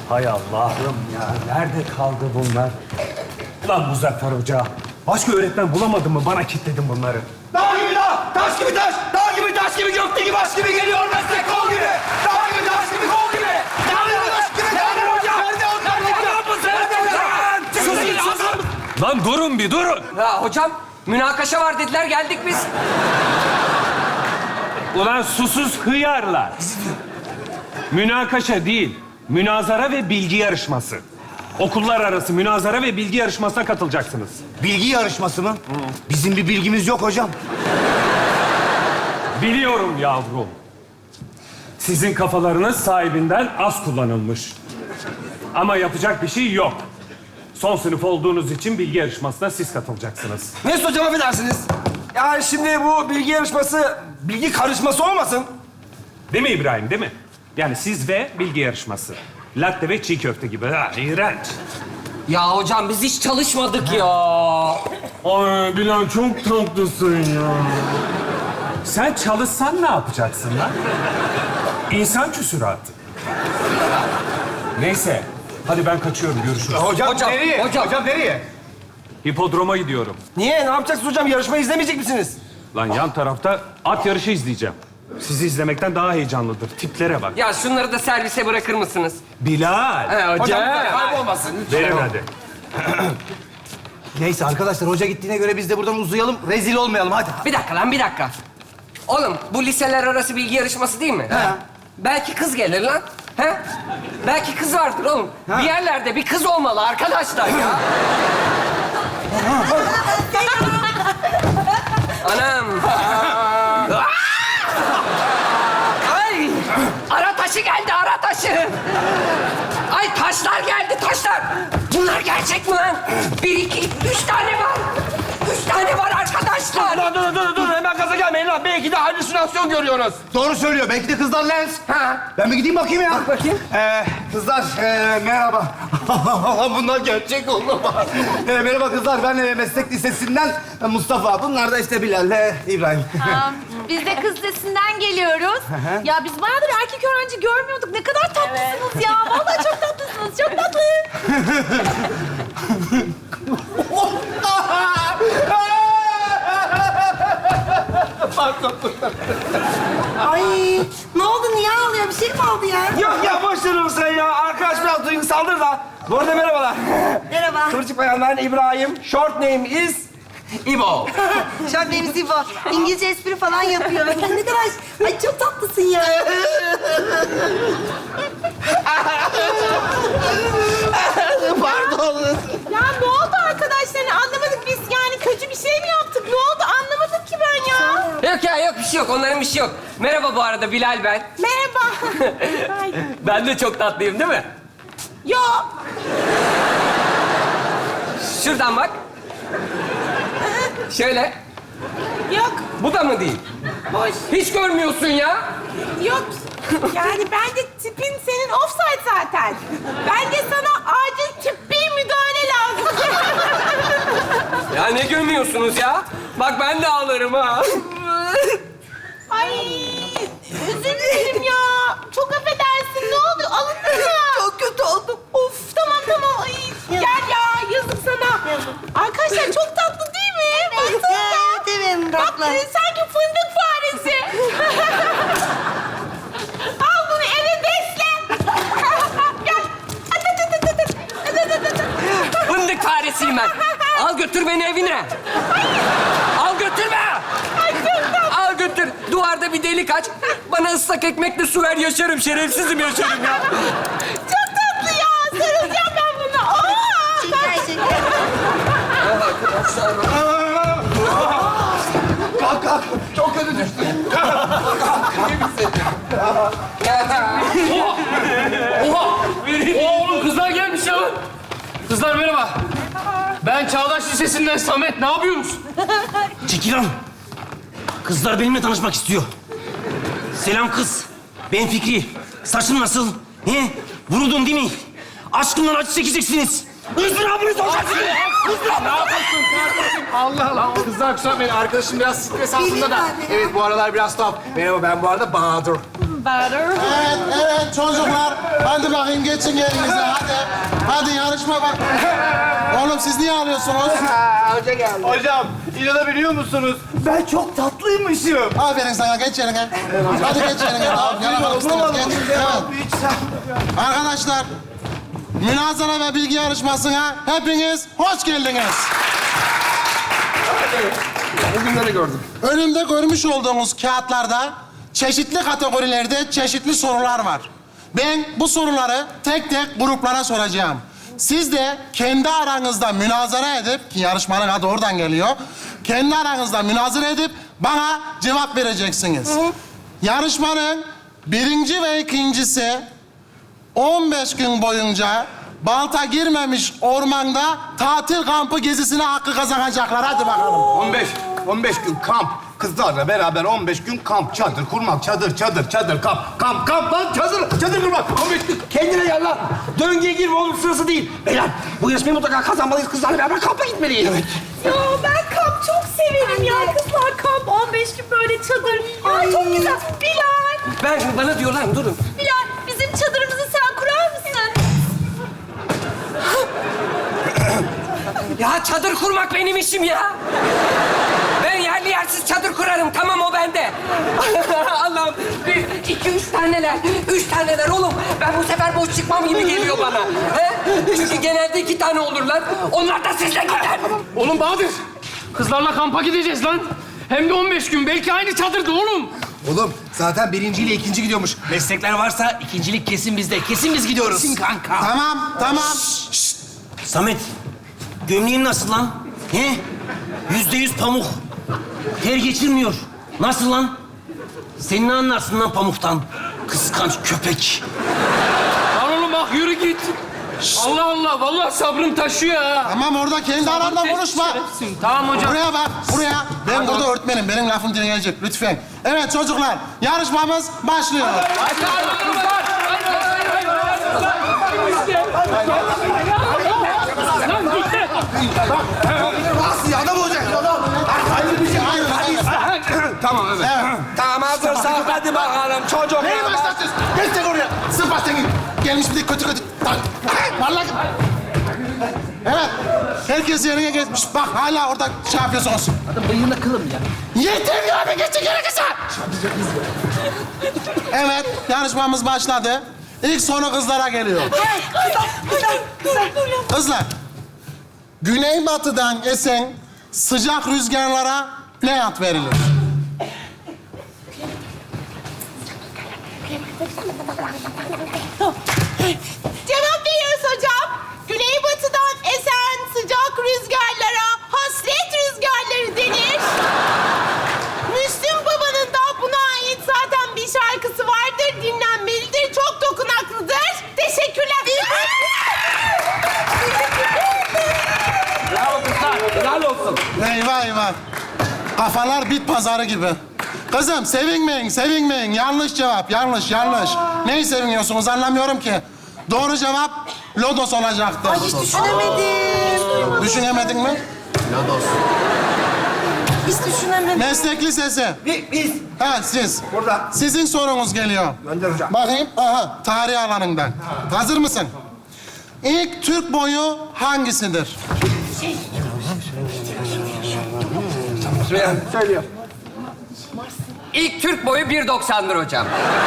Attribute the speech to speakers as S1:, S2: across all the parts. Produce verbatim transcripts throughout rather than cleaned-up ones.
S1: Hay Allah'ım ya. Nerede kaldı bunlar? Lan Muzaffer Hoca. Başka öğretmen bulamadın mı? Bana kilitledin bunları.
S2: Dağ gibi dağ, taş gibi taş, dağ gibi taş gibi gökteki baş gibi geliyor meslek kol gibi. Dağ gibi taş gibi kol gibi. Dağ gibi taş gibi. Nerede hocam? Nerede hocam? Nerede hocam?
S1: Susun! Lan durun bir durun.
S3: Ya hocam, münakaşa var dediler, geldik biz.
S1: Ulan susuz hıyarlar. Münakaşa değil, münazara ve bilgi yarışması. Okullar arası münazara ve bilgi yarışmasına katılacaksınız.
S2: Bilgi yarışması mı? Bizim bir bilgimiz yok hocam.
S1: Biliyorum yavrum. Sizin kafalarınız sahibinden az kullanılmış. Ama yapacak bir şey yok. Son sınıf olduğunuz için bilgi yarışmasına siz katılacaksınız.
S4: Mesut hocam affedersiniz. Yani şimdi bu bilgi yarışması, bilgi karışması olmasın?
S1: Değil mi İbrahim, değil mi? Yani siz ve bilgi yarışması. Latte ve çiğ köfte gibi. Ha, iğrenç.
S3: Ya hocam, biz hiç çalışmadık ya.
S1: Ay Bilal çok tatlısın ya. Sen çalışsan ne yapacaksın lan? İnsan küsuratı. Neyse. Hadi ben kaçıyorum. Görüşürüz.
S4: Hocam,
S3: Hocam,
S4: nereye?
S3: hocam.
S4: hocam nereye?
S1: Hipodroma gidiyorum.
S4: Niye? Ne yapacaksınız hocam? Yarışmayı izlemeyecek misiniz?
S1: Lan yan tarafta at yarışı izleyeceğim. Sizi izlemekten daha heyecanlıdır. Tiplere bak.
S3: Ya şunları da servise bırakır mısınız?
S1: Bilal.
S3: He hocam.
S4: Hocam kaybolmasın.
S1: Verin hadi.
S2: Neyse arkadaşlar hoca gittiğine göre biz de buradan uzayalım. Rezil olmayalım hadi.
S3: Bir dakika lan, bir dakika. Oğlum, bu liseler arası bilgi yarışması değil mi?
S2: He.
S3: Belki kız gelir lan. He? Belki kız vardır oğlum. Bir yerlerde bir kız olmalı arkadaşlar ya. Anam. Ay! Ara taşı geldi, ara taşı. Ay taşlar geldi, taşlar. Bunlar gerçek mi lan? Bir, iki, üç tane var. Üç tane var arkadaşlar.
S4: Dur, dur, dur, dur. Hemen gaza gelmeyin lan. Belki de halüsinasyon görüyorsunuz.
S2: Doğru söylüyor. Belki de kızlar lens.
S3: Ha?
S2: Ben bir gideyim bakayım ya.
S3: Bak bakayım.
S2: Ee, kızlar ee, merhaba. Bunlar gerçek olamaz. Ee, merhaba kızlar. Ben e, meslek lisesinden e, Mustafa. Bunlar da işte Bilal'le İbrahim.
S5: Aa, biz de kız lisesinden geliyoruz. Ya biz bayağıdır erkek öğrenci görmüyorduk. Ne kadar tatlısınız ya. Vallahi çok tatlısınız. Çok tatlı.
S6: Ay ne oldu? Niye ağlıyor? Bir şey mi oldu ya?
S4: Yok ya boş ver onu sen ya. Arkadaş biraz duygusaldır da. Bu arada merhabalar.
S6: Merhaba.
S4: Kıvırcık bayan, ben İbrahim. Short name is İbo.
S6: Şu an deniz İbo. İngilizce espri falan yapıyor. Ne kadar... Ay çok tatlısın ya.
S4: Pardon.
S5: Ya ne oldu arkadaşlar? Anlamadık biz. Yani kötü bir şey mi yaptık? Ne oldu? Anlamadım ki ben ya.
S3: Yok ya, yok bir şey yok. Onların bir şey yok. Merhaba bu arada, Bilal ben.
S5: Merhaba. Ay.
S3: Ben de çok tatlıyım değil mi?
S5: Yok.
S3: Şuradan bak. Şöyle.
S5: Yok.
S3: Bu da mı değil?
S5: Boş.
S3: Hiç görmüyorsun ya.
S5: Yok. Yani bence tipin senin offside zaten. Bence sana acil tıbbi müdahale lazım.
S3: Ya ne gömüyorsunuz ya? Bak ben de ağlarım ha.
S5: Ay özür dilerim ya. Çok affedersin. Ne oldu? Alındın mı?
S6: Çok kötü oldum.
S5: Of tamam tamam. Ay, gel ya yazık sana. Arkadaşlar çok tatlı değil mi? Baksana.
S6: Evet, evet.
S5: Bak
S6: Tatlı.
S5: e, sanki fındık faresi. Al bunu eve besle. Gel. At, at, at, at, at. At, at, at, at.
S3: Fındık faresiyim ben. Al götür beni evine. Al götürme.
S5: Ay çok tatlı.
S3: Al götür. Duvarda bir delik aç. Bana ıslak ekmekle su ver, yaşarım. Şerefsizim, yaşarım ya.
S5: Çok tatlı ya. Sarılacağım ben buna. Aa!
S6: Şeker şeker.
S2: Kalk kalk. Çok kötü düştün.
S7: Oha! Oha oğlum, kızlar gelmiş ya. Kızlar merhaba. Ben Çağdaş Lisesi'nden Samet. Ne yapıyorsunuz?
S8: Çekil lan. Kızlar benimle tanışmak istiyor. Selam kız. Ben Fikri. Saçın nasıl? He? Vuruldun değil mi? Aşkımdan acı çekeceksiniz. Izdırabınız olacaksınız.
S7: Allah Allah. Kızlar kusura bakmayın. Arkadaşım biraz stres altında da.
S6: Bilmiyorum abi ya.
S7: Evet, bu aralar biraz tuhaf. Merhaba, ben bu arada Bahadır.
S5: better.
S9: Evet, evet çocuklar. Hadi bakayım geçin yerinize hadi. Hadi yarışma bak. Oğlum siz niye ağlıyorsunuz?
S2: Hoca geldi. Hocam, inanabiliyor musunuz? Ben çok tatlıymışım.
S9: Aferin sana geç yerine. Hadi geç yerine. Tamam, yalakalık istemez. Geç. Evet. Arkadaşlar, münazara ve bilgi yarışmasına hepiniz hoş geldiniz.
S4: Bugünleri gördüm.
S9: Önümde görmüş olduğunuz kağıtlarda çeşitli kategorilerde çeşitli sorular var. Ben bu soruları tek tek gruplara soracağım. Siz de kendi aranızda münazara edip, ki yarışmanın adı oradan geliyor, kendi aranızda münazara edip bana cevap vereceksiniz. Yarışmanın birinci ve ikincisi on beş gün boyunca balta girmemiş ormanda tatil kampı gezisine hakkı kazanacaklar. Hadi bakalım.
S2: on beş, on beş gün kamp. Kızlarla beraber on beş gün kamp, çadır kurmak, çadır, çadır, çadır, kamp, kamp, kamp lan, çadır, çadır kurmak. on beş gün.
S4: Kendine gel lan. Döngüye girme oğlum, sırası değil. Beyler, bu yarışmayı mutlaka kazanmalıyız. Kızlarla beraber kampa gitmeliyiz. Evet.
S5: Ya ben kamp çok severim ya. Kızlar kamp on beş gün böyle çadır. Ay çok güzel. Bilal,
S3: Ben şimdi bana diyorlar durun.
S5: Bilal bizim çadırımızı sen kurar mısın?
S3: Ya çadır kurmak benim işim ya. Ben yerli yersiz çadır kurarım. Tamam o bende. Allah'ım. Bir, iki, üç taneler. Üç taneler oğlum. Ben bu sefer boş çıkmam gibi geliyor bana. He? Çünkü genelde iki tane olurlar. Onlar da sizle gider.
S7: Oğlum Bahadır. Kızlarla kampa gideceğiz lan. Hem de on beş gün. Belki aynı çadırda oğlum.
S4: Oğlum, zaten birinciyle ikinci gidiyormuş. Meslekler varsa ikincilik kesin bizde. Kesin biz gidiyoruz. Kesin kanka.
S9: Tamam, tamam.
S8: Samet, gömleğin nasıl lan? He? Yüzde yüz pamuk. Ter geçirmiyor. Nasıl lan? Sen ne anlarsın lan pamuktan? Kıskanç köpek.
S7: Lan oğlum bak yürü git. Allah Allah. Vallahi sabrım taşıyor ha.
S9: Tamam orada kendi aranda konuşma.
S7: Şerefsin. Tamam hocam.
S9: Buraya bak, buraya. Ben burada öğretmenim, benim lafım dinleyecek lütfen. Evet çocuklar, yarışmamız başlıyor.
S4: Nasıl ya? Adam olacak.
S9: Hayır, bir şey, hayır, hayır.
S4: Tamam, evet.
S9: Evet.
S4: Tamam, hazırsak hadi bakalım çocuklar.
S9: Neyi başlatıyorsun? Geç sen oraya. Sıpa senin. Gelmiş bir de kötü kötü. Bak, vallahi. Evet. Herkes yerine geçmiş. Bak hala orada şey yapıyorsunuz.
S4: Adam bıyığında kılım ya.
S9: Yeter ya be, geçin gerekirse. Evet, yarışmamız başladı. İlk soru kızlara geliyor. Kızlar, güneybatıdan esen sıcak rüzgarlara ne ad verilir?
S5: Cevap veriyoruz hocam. Güneybatıdan esen sıcak rüzgarlara hasret rüzgarları denir. Müslüm Baba'nın da buna ait zaten bir şarkısı vardır. Dinlenmelidir. Çok dokunaklıdır. Teşekkürler.
S4: Bravo kızlar. Helal olsun.
S9: Eyvah eyvah. Kafalar bit pazarı gibi. Kızım sevinmeyin, sevinmeyin. Yanlış cevap, yanlış, yanlış. Neyi seviniyorsunuz anlamıyorum ki. Doğru cevap lodos olacaktı.
S6: Ay hiç düşünemedim.
S9: Düşünemedin mi?
S6: Hiç düşünemedim.
S9: Meslek lisesi.
S4: Biz, biz.
S9: Ha siz.
S4: Burada.
S9: Sizin sorunuz geliyor.
S4: Gönder hocam.
S9: Bakayım. Aha, tarih alanından. Hazır mısın? İlk Türk boyu hangisidir?
S4: Söylüyor.
S3: İlk Türk boyu bir doksandır hocam.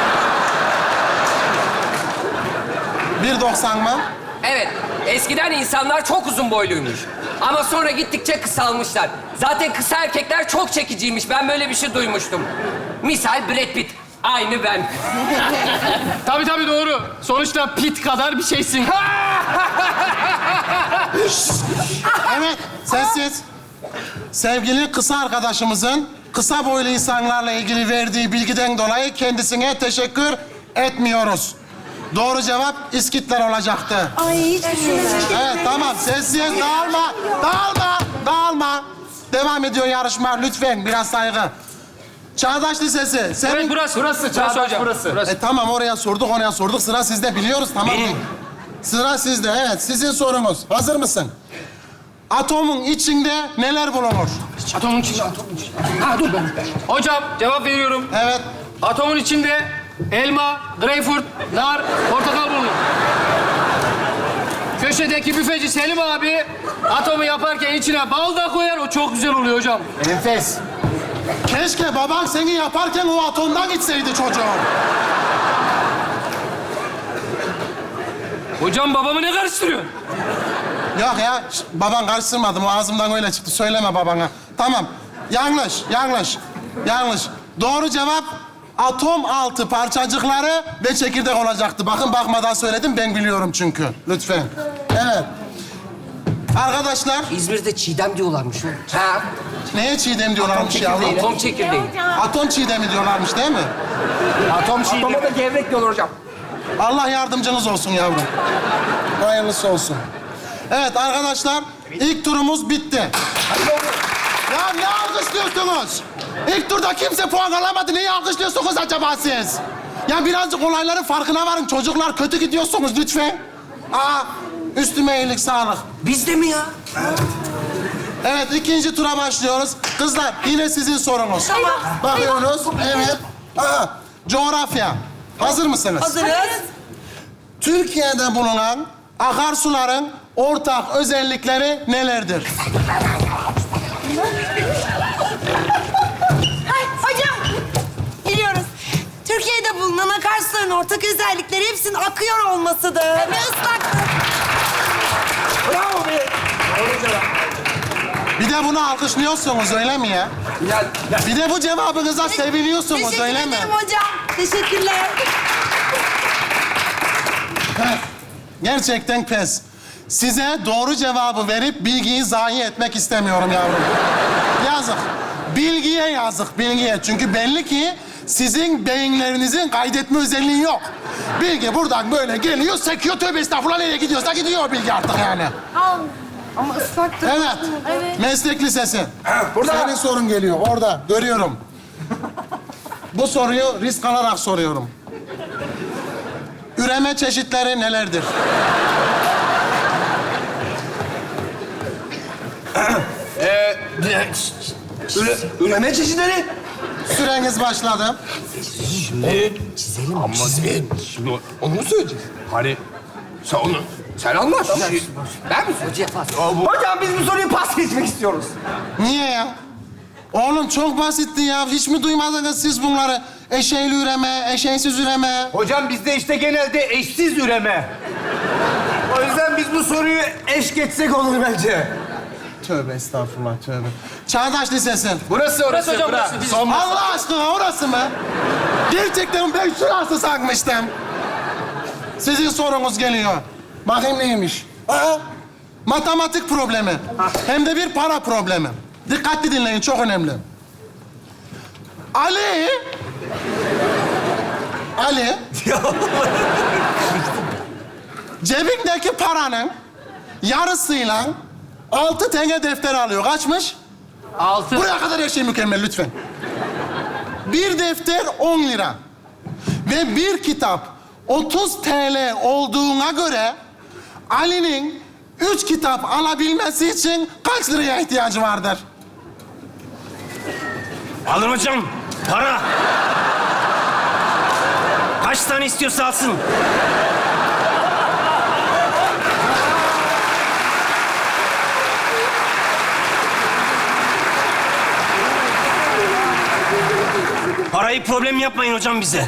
S9: bir doksan mı?
S3: Evet. Eskiden insanlar çok uzun boyluymuş. Ama sonra gittikçe kısalmışlar. Zaten kısa erkekler çok çekiciymiş. Ben böyle bir şey duymuştum. Misal Brad Pitt. Aynı ben.
S7: Tabii tabii doğru. Sonuçta pit kadar bir şeysin.
S9: Evet, sessiz. Sevgili kısa arkadaşımızın kısa boylu insanlarla ilgili verdiği bilgiden dolayı kendisine teşekkür etmiyoruz. Doğru cevap İskitler olacaktı.
S6: Ay hiç düşünemedim.
S9: Evet, tamam. Sessiz, dağılma, dağılma, dağılma. Devam ediyor yarışma. Lütfen biraz saygı. Çağdaş Lisesi. Senin...
S7: Evet burası. Burası Çağdaş hocam. Burası.
S9: E, tamam, oraya sorduk, oraya sorduk. Sıra sizde, biliyoruz, tamam mı?
S8: Benim.
S9: Sıra sizde, evet. Sizin sorunuz. Hazır mısın? Atomun içinde neler bulunur?
S7: Atomun içinde. Ha dur ben. Hocam cevap veriyorum.
S9: Evet.
S7: Atomun içinde elma, greyfurt, nar, portakal bulunur. Köşedeki büfeci Selim abi atomu yaparken içine bal da koyar. O çok güzel oluyor hocam.
S9: Enfes. Keşke baban seni yaparken o atomdan içseydi çocuğum.
S7: Hocam babamı ne karıştırıyor?
S9: Yok ya, ş- baban karıştırmadım. O ağzımdan öyle çıktı. Söyleme babana. Tamam. Yanlış, yanlış, yanlış. Doğru cevap atom altı parçacıkları ve çekirdek olacaktı. Bakın bakmadan söyledim, ben biliyorum çünkü. Lütfen. Evet. Arkadaşlar,
S3: İzmir'de çiğdem diyorlarmış o. Ha?
S9: neye çiğdem diyorlarmış ya?
S3: Atom çekirdeği.
S9: Atom çiğdemi diyorlarmış değil mi?
S2: Atom çiğdemi.
S3: Atoma da gevrek diyorlar hocam.
S9: Allah yardımcınız olsun yavrum. Hayırlısı olsun. Evet arkadaşlar, ilk turumuz bitti. Ya ne alkışlıyorsunuz? İlk turda kimse puan alamadı. Neyi alkışlıyorsunuz acaba siz? Ya birazcık olayların farkına varın. Çocuklar kötü gidiyorsunuz lütfen. Aa, üstüme iyilik, sağlık.
S3: Biz de mi ya?
S9: Evet, ikinci tura başlıyoruz. Kızlar, yine sizin sorunuz.
S6: Tamam.
S9: Bakıyoruz, evet. Aha, coğrafya. Hazır mısınız?
S6: Hazırız.
S9: Türkiye'de bulunan akarsuların ortak özellikleri nelerdir?
S6: Ay hocam. Biliyoruz. Türkiye'de bulunan akarsuların ortak özellikleri hepsinin akıyor olmasıdır. Ve ıslaktır.
S3: Bravo be.
S9: Bir de bunu alkışlıyorsunuz öyle mi ya?
S3: Ya, ya.
S9: Bir de bu cevabınıza seviniyorsunuz
S6: Teşekkür
S9: öyle mi?
S6: ederim hocam. Teşekkürler.
S9: Heh, gerçekten pes. Size doğru cevabı verip bilgiyi zayi etmek istemiyorum yavrum. Yazık. Bilgiye yazık, bilgiye. Çünkü belli ki sizin beyinlerinizin kaydetme özelliği yok. Bilgi buradan böyle geliyor, sekiyor. Tövbe estağfurullah, nereye gidiyorsa gidiyor o bilgi artık yani.
S6: Ama ıslaktır.
S9: Evet.
S6: Evet.
S9: Meslek lisesi.
S3: burada.
S9: Senin sorun geliyor. Orada. Görüyorum. Bu soruyu risk alarak soruyorum. Üreme çeşitleri nelerdir?
S3: Üre, üreme çeşitleri.
S9: Süreniz başladı.
S3: Ama çizmeyin. Şimdi onu mu söyleyeceğiz? Hani sen onu... Sen anlat. Ben mi söyleyeceğim? Hocam biz bu soruyu pas geçmek istiyoruz.
S9: Niye ya? Oğlum çok basitti ya. Hiç mi duymadınız siz bunları? Eşeğli üreme, eşeğsiz üreme.
S2: Hocam bizde işte genelde eşsiz üreme. O yüzden biz bu soruyu eş geçsek olur bence.
S9: Tövbe estağfurullah, tövbe. Çağdaş Lisesi.
S2: Burası orası.
S7: hocam,
S2: bura.
S7: burası. Biz-
S2: Son
S9: Allah aşkına orası mı? Gerçekten ben şurası sanmıştım. Sizin sorunuz geliyor. Bakayım neymiş? Aa, matematik problemi. Hem de bir para problemi. Dikkatli dinleyin, çok önemli. Ali... Ali... cebindeki paranın yarısıyla altı tane defter alıyor. Kaçmış?
S7: Altı.
S9: Buraya kadar her şey mükemmel lütfen. Bir defter on lira. Ve bir kitap otuz T L olduğuna göre Ali'nin üç kitap alabilmesi için kaç liraya ihtiyacı vardır?
S8: Alın hocam. Para. Kaç tane istiyorsa alsın. Parayı problem yapmayın hocam bize.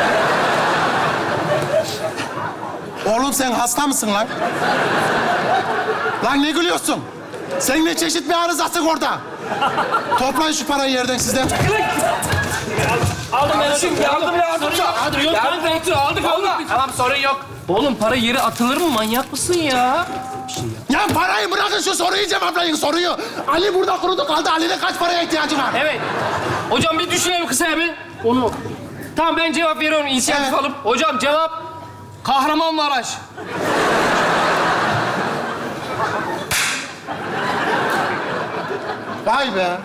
S9: Oğlum sen hasta mısın lan? Lan ne gülüyorsun? Sen ne çeşit bir arızasın orada? Toplayın şu parayı yerden sizden.
S7: Aldım ben şimdi. Aldım ya. Aldım ya. Hadi yok kanka getir. Aldık aldık.
S3: Tamam sorun yok.
S7: Oğlum para yere atılır mı? Manyak mısın ya?
S9: Ya parayı bırakın, şu soruyu cevaplayın, soruyu. Ali burada kurudu kaldı. Ali'nin kaç paraya ihtiyacı var?
S7: Evet. Hocam bir düşünelim kısa hemen. Onu. Tamam ben cevap veriyorum. İnisiyatif
S9: Evet.
S7: alıp. Hocam cevap Kahramanmaraş.
S9: Vay be.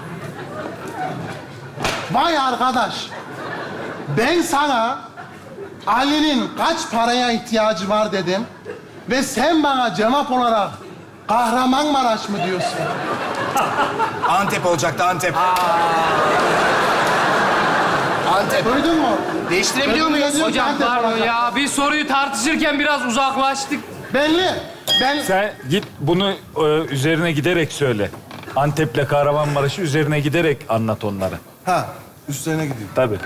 S9: Vay arkadaş. Ben sana Ali'nin kaç paraya ihtiyacı var dedim. Ve sen bana cevap olarak Kahramanmaraş mı diyorsun?
S2: Antep olacaktı, Antep.
S4: Antep.
S9: Duydun mu?
S4: Değiştirebiliyor muyuz?
S9: Hocam,
S7: Hocam
S9: Antep
S7: pardon
S9: olacak.
S7: ya. Bir soruyu tartışırken biraz uzaklaştık.
S9: Belli. Ben...
S10: Sen git bunu e, üzerine giderek söyle. Antep'le Kahramanmaraş'ı üzerine giderek anlat onlara.
S9: Ha, üstlerine gideyim.
S10: Tabii.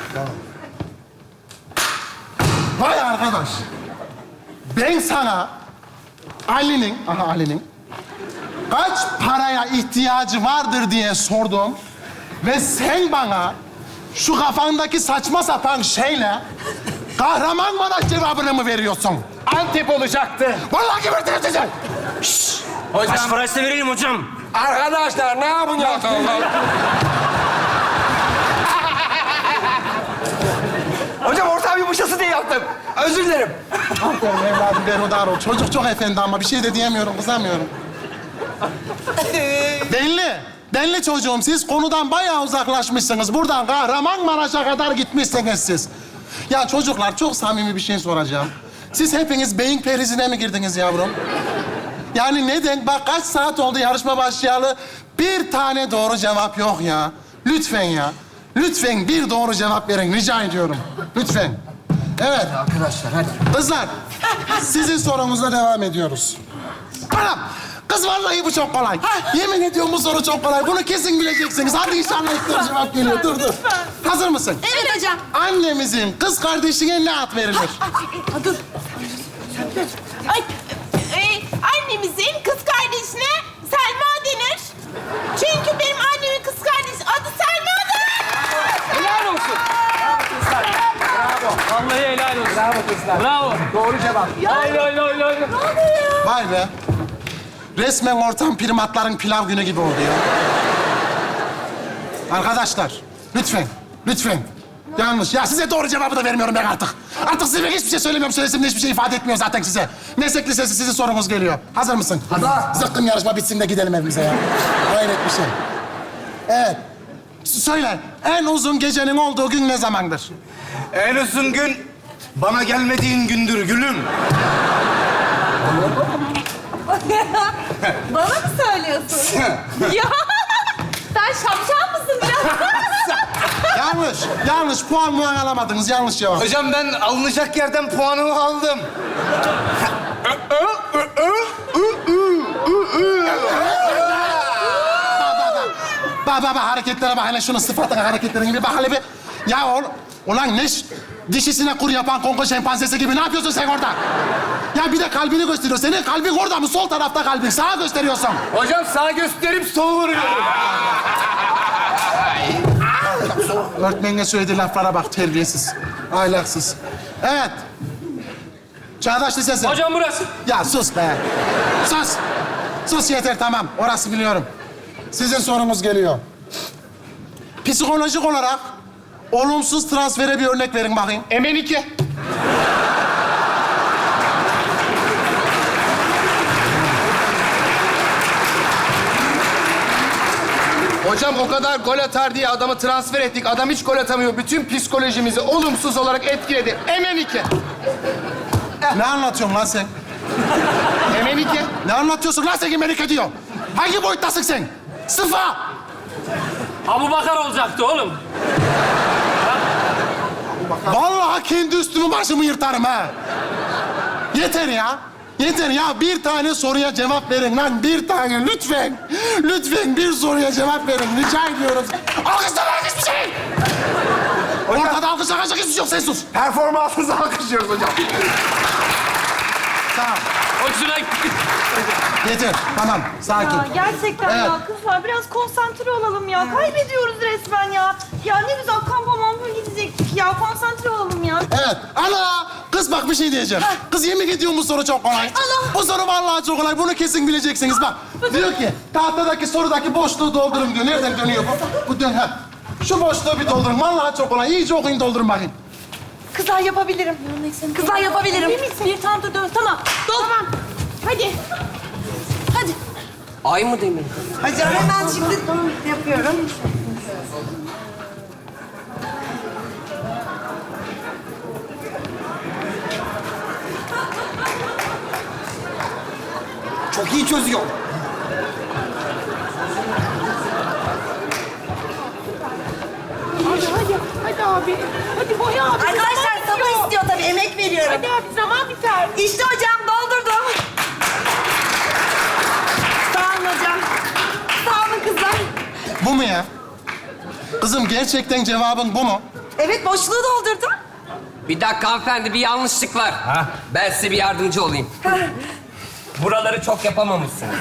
S9: Vay arkadaş. Ben sana Ali'nin, aha Ali'nin kaç paraya ihtiyacı vardır diye sordum. Ve sen bana şu kafandaki saçma sapan şeyle Kahramanmaraş cevabını mı veriyorsun?
S4: Antep olacaktı.
S9: Vallahi gebertirim sizi.
S8: Kaç paraysa verelim hocam.
S4: Arkadaşlar ne yapacaksınız? Hocam ortam yumuşasın diye yaptım. Özür dilerim.
S9: Aferin evladım berhudar ol. Çocuk çok efendi ama bir şey de diyemiyorum, kızamıyorum. Belli. Belli çocuğum. Siz konudan bayağı uzaklaşmışsınız. Buradan Kahramanmaraş'a kadar gitmişsiniz siz. Ya çocuklar çok samimi bir şey soracağım. Siz hepiniz beyin perizine mi girdiniz yavrum? Yani neden? Bak kaç saat oldu yarışma başlayalı. Bir tane doğru cevap yok ya. Lütfen ya. Lütfen bir doğru cevap verin. Rica ediyorum. Lütfen. Evet.
S4: Arkadaşlar hadi.
S9: Kızlar, sizin sorunuzla devam ediyoruz. Anam, kız vallahi bu çok kolay. Yemin ediyorum bu soru çok kolay. Bunu kesin bileceksiniz. Hadi inşallah ilk doğru cevap geliyor. Dur, dur. Hazır mısın?
S6: Evet hocam.
S9: Annemizin kız kardeşine ne ad verilir?
S6: Aa, dur. Ay, e, annemizin kız kardeşine Selma denir. Çünkü benim annemin kız kardeşi adı Selma'dır.
S7: Helal olsun. Vallahi helal olsun.
S4: Bravo kızlar.
S7: Bravo.
S4: Doğru cevap.
S7: Hayır, hayır, hayır, hayır.
S9: Vay be. Resmen ortam primatların pilav günü gibi oldu ya. Arkadaşlar, lütfen, lütfen. Yanlış. Ya size doğru cevabı da vermiyorum ben artık. Artık size ben hiçbir şey söylemiyorum. Söylesem de hiçbir şey ifade etmiyor zaten size. Meslek lisesi sizin sorunuz geliyor. Hazır mısın? Hazır. Zıkkım yarışma bitsin de gidelim evimize ya. Hayret bir şey. Evet. S- Söyle, en uzun gecenin olduğu gün ne zamandır?
S2: En uzun gün bana gelmediğin gündür gülüm.
S5: Bana mı söylüyorsun? Ya sen şapşal mısın biraz?
S9: Yanlış, yanlış. Puan muan alamadınız. Yanlış cevap.
S2: Hocam ben alınacak yerden puanımı aldım.
S9: Bak bak bak hareketlere bak hele şunun sıfatına hareketlerine gibi bak hele bir. Ya oğlum, ulan ne ş- dişisine kur yapan Kongo şempanzesi gibi ne yapıyorsun sen orada? Ya bir de kalbini gösteriyor. Senin kalbin orada mı? Sol tarafta kalbin. Sağa gösteriyorsun.
S2: Hocam sağ gösterip sol vuruyorum.
S9: Öğretmenine söylediği laflara bak terbiyesiz. Ahlaksız. Evet. Çağdaş Lisesi.
S7: Hocam burası.
S9: Ya sus be. Sus. Sus yeter tamam. Orası biliyorum. Sizin sorunuz geliyor. Psikolojik olarak olumsuz transfere bir örnek verin bakayım.
S4: Emen iki. Hocam o kadar gol atar diye adamı transfer ettik. Adam hiç gol atamıyor. Bütün psikolojimizi olumsuz olarak etkiledi. Emen iki.
S9: Ne anlatıyorsun lan sen?
S4: Emen iki.
S9: Ne anlatıyorsun lan sen Amerika diyor? Hangi boyuttasın sen? Sıfa!
S7: Abu Bakar olacaktı oğlum.
S9: Vallahi kendi üstümü başımı yırtarım ha. Yeter ya. Yeter ya. Bir tane soruya cevap verin lan. Bir tane lütfen. Lütfen bir soruya cevap verin. Rica ediyorum. Alkışlamayın hiçbir şey. Ortada alkışlanacak hiçbir şey yok. Sen sus.
S2: Performansınızı alkışlıyoruz hocam.
S9: Tamam.
S7: Hoşuna gitti.
S9: Yeter. Tamam. Sakin.
S5: Ya gerçekten
S9: Evet.
S5: ya kızlar biraz konsantre olalım ya. Kaybediyoruz resmen ya. Ya ne güzel kampa mampa gidecektik ya. Konsantre olalım ya.
S9: Evet. Ana! Kız bak bir şey diyeceğim. Kız yemin ediyorum bu soru çok kolay.
S5: Allah!
S9: Bu soru vallahi çok kolay. Bunu kesin bileceksiniz bak. Diyor ki tahtadaki sorudaki boşluğu doldurun diyor. Nereden dönüyor bu? Bu dön ha. Şu boşluğu bir doldurun. Vallahi çok kolay. İyice okuyun doldurun bakayım.
S5: Kızlar yapabilirim. Kızlar yapabilirim. Bir tam dur dön. Tamam. Dol. Tamam. Hadi. Hadi.
S3: Ay mı demin?
S6: Hocam hemen şimdi yapıyorum.
S2: Çok iyi çözüyor.
S5: Hadi hadi. Hadi
S6: abi. Hadi boya abi.
S5: Arkadaşlar
S6: zaman bitiyor.
S5: sabır istiyor tabii. Emek veriyorum.
S6: Hadi abi zaman biter.
S5: İşte hocam doldurdum. Sağ olun hocam. Sağ olun kızlar.
S9: Bu mu ya? Kızım gerçekten cevabın bu mu?
S5: Evet boşluğu doldurdum.
S3: Bir dakika hanımefendi, bir yanlışlık var. Ben size bir yardımcı olayım. Buraları çok yapamamışsınız.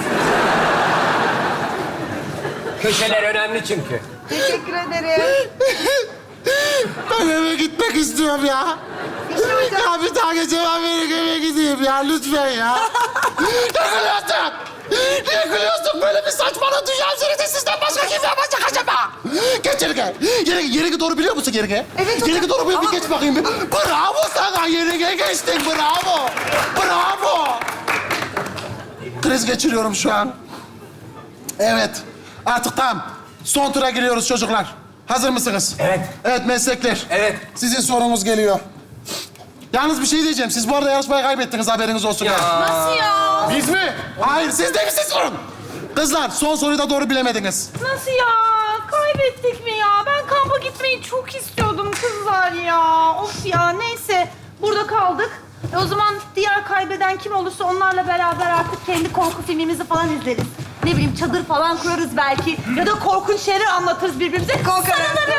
S3: Köşeler önemli çünkü.
S5: Teşekkür ederim.
S9: Ben eve gitmek istiyorum ya. Ya bir tane cevap verin eve gideyim ya lütfen ya. Ne gülüyorsun? Ne gülüyorsun? Böyle bir saçmalığı dünya üzerinde sizden başka kim yapacak acaba? Geç yerine. Yerine, yerine doğru biliyor musun yerine?
S5: Evet hocam.
S9: Yerine doğru bir,
S5: Ama-
S9: bir geç bakayım bir. Bravo sana yerine geçtin bravo. Bravo. Kriz geçiriyorum şu an. Evet. Artık tamam. Son tura giriyoruz çocuklar. Hazır mısınız?
S3: Evet.
S9: Evet meslekler.
S3: Evet.
S9: Sizin sorunuz geliyor. Yalnız bir şey diyeceğim. Siz bu arada yarışmayı kaybettiniz haberiniz olsun. Ya.
S5: Nasıl ya?
S9: Biz mi? Hayır siz de mi siz sorun? Kızlar son soruyu da doğru bilemediniz.
S6: Nasıl ya? Kaybettik mi ya? Ben kampa gitmeyi çok istiyordum kızlar ya. Of ya neyse. Burada kaldık. E o zaman diğer kaybeden kim olursa onlarla beraber artık kendi korku filmimizi falan izleriz. Ne bileyim çadır falan kurarız belki. Ya da korkunç şeyler anlatırız birbirimize. Sarılırız.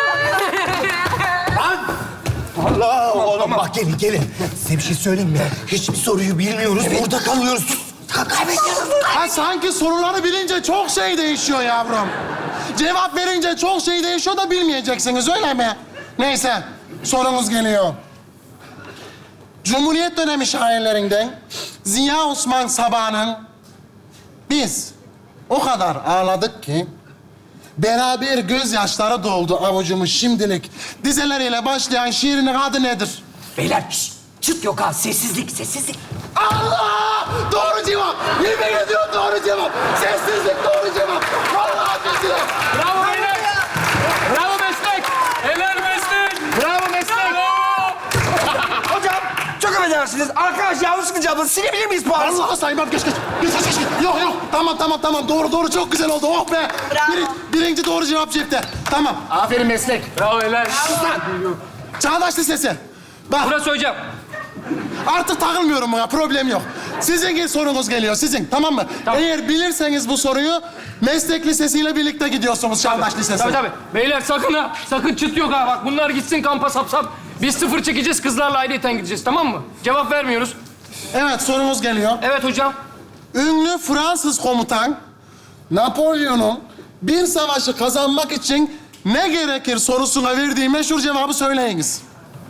S2: Allah oğlum bak gelin gelin. Size bir şey söyleyeyim mi? Hiçbir soruyu bilmiyoruz. Burada kalıyoruz. Kaybediyoruz.
S9: Ha sanki soruları bilince çok şey değişiyor yavrum. Cevap verince çok şey değişiyor da bilmeyeceksiniz öyle mi? Neyse sorumuz geliyor. Cumhuriyet dönemi şairlerinden Ziya Osman Sabah'ın biz o kadar ağladık ki beraber gözyaşları doldu avucumu şimdilik dizeleriyle başlayan şiirinin adı nedir?
S3: Beyler, şşt, çıt yok ha. Sessizlik, sessizlik.
S9: Allah! Doğru cevap! Yemin ediyorum doğru cevap! Sessizlik doğru cevap! Vallahi billahi!
S7: Bravo beyler. Bravo meslek. Helal meslek. Bravo meslek. Bravo.
S8: Hocam çok affedersiniz. Arkadaş yanlış mı cevapladı? Silebilir miyiz bu arada?
S9: Allah'a sayın bak geç geç. Geç geç geç. Yok yok. Tamam tamam tamam. Doğru doğru çok güzel oldu. Oh be.
S5: Bravo.
S9: Biri, birinci doğru cevap cepte. Tamam.
S4: Aferin meslek.
S7: Bravo helal.
S9: Çağdaş Lisesi. Bak
S7: Burası hocam.
S9: artık takılmıyorum buna. Problem yok. Sizin sorunuz geliyor. Sizin. Tamam mı?
S7: Tamam.
S9: Eğer bilirseniz bu soruyu Meslek Lisesi'yle birlikte gidiyorsunuz Çağdaş Lisesi.
S7: Tabii tabii. Beyler sakın ha. Sakın çıt yok ha. Bak bunlar gitsin kampa sap sap. Biz sıfır çekeceğiz. Kızlarla ayrıyeten gideceğiz. Tamam mı? Cevap vermiyoruz.
S9: Evet sorumuz geliyor.
S7: Evet hocam.
S9: Ünlü Fransız komutan Napolyon'un bir savaşı kazanmak için ne gerekir sorusuna verdiği meşhur cevabı söyleyiniz.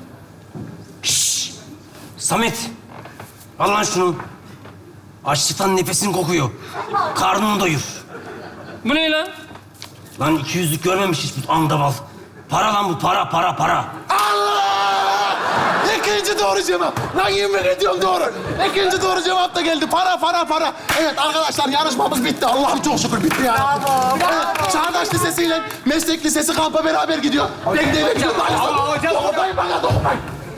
S8: Samet. Al lan şunu. Açlıktan nefesin kokuyor. Karnını doyur.
S7: Bu ne lan?
S8: Lan iki yüzlük görmemişiz bu andaval. Para lan bu para para para.
S9: Allah! İkinci doğru cevap. Lan yemin ediyorum doğru. İkinci doğru cevap da geldi. Para, para, para. Evet arkadaşlar yarışmamız bitti. Allah'ım çok şükür bitti ya. Bravo, bravo. Çağdaş Lisesi ile Meslek Lisesi kampa beraber gidiyor. Ben de eve gidiyorum. Dokunmayın bana, dokunmayın.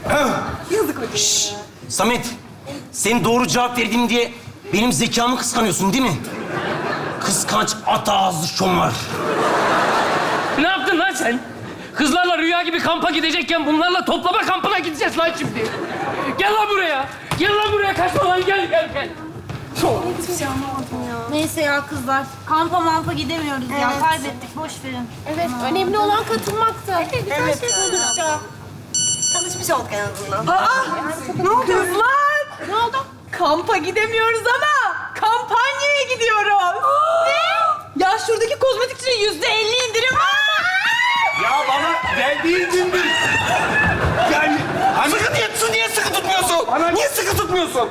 S8: Samet, sen doğru cevap verdim diye benim zekamı kıskanıyorsun değil mi? Kıskanç at ağızlı şomlar.
S7: Ne yaptın lan sen? Kızlarla rüya gibi kampa gidecekken bunlarla toplama kampına gideceğiz lan şimdi. Gel lan buraya. Gel lan buraya. Kaçma lan. Gel gel gel.
S6: Neyse ya kızlar. Kampa mampa gidemiyoruz ya. Kaybettik. Boş verin. Evet. Önemli olan katılmaktı. Evet. Evet.
S5: Tanışmış olduk en azından.
S6: Aa! Ne oldu? Kızlar! Ne oldu? Kampa gidemiyoruz ama kampanyaya gidiyoruz. Ne? Ya şuradaki kozmetikçinin yüzde elli indirim var.
S8: Ya bana verdiğin gündür. Yani sıkı niye, niye sıkı tutmuyorsun? Bana niye sıkı tutmuyorsun?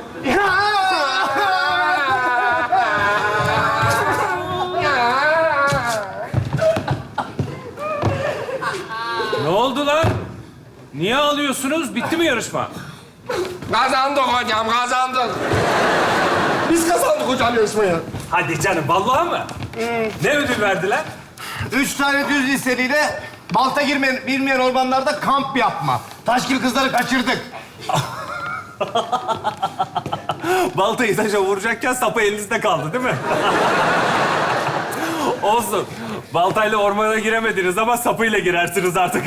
S1: Ne oldu lan? Niye ağlıyorsunuz? Bitti mi yarışma?
S3: Kazandık hocam, kazandık.
S4: Biz kazandık hocam yarışmayı.
S1: Hadi canım, vallahi mı? Ne ödül verdiler?
S2: Üç tane düz liseliyle balta girmeyen, bilmeyen ormanlarda kamp yapma. Taş gibi kızları kaçırdık.
S1: Baltayı taşa vuracakken sapı elinizde kaldı değil mi? Olsun. Baltayla ormana giremediniz ama sapıyla girersiniz artık.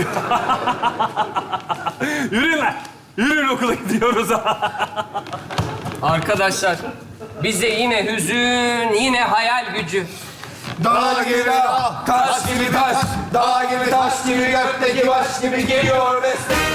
S1: Yürüyün lan. Yürüyün, okula gidiyoruz.
S3: Arkadaşlar, bize yine hüzün, yine hayal gücü.
S2: Dağ gibi dağ, taş gibi taş, dağ gibi taş gibi gökteki baş gibi geliyor meslek.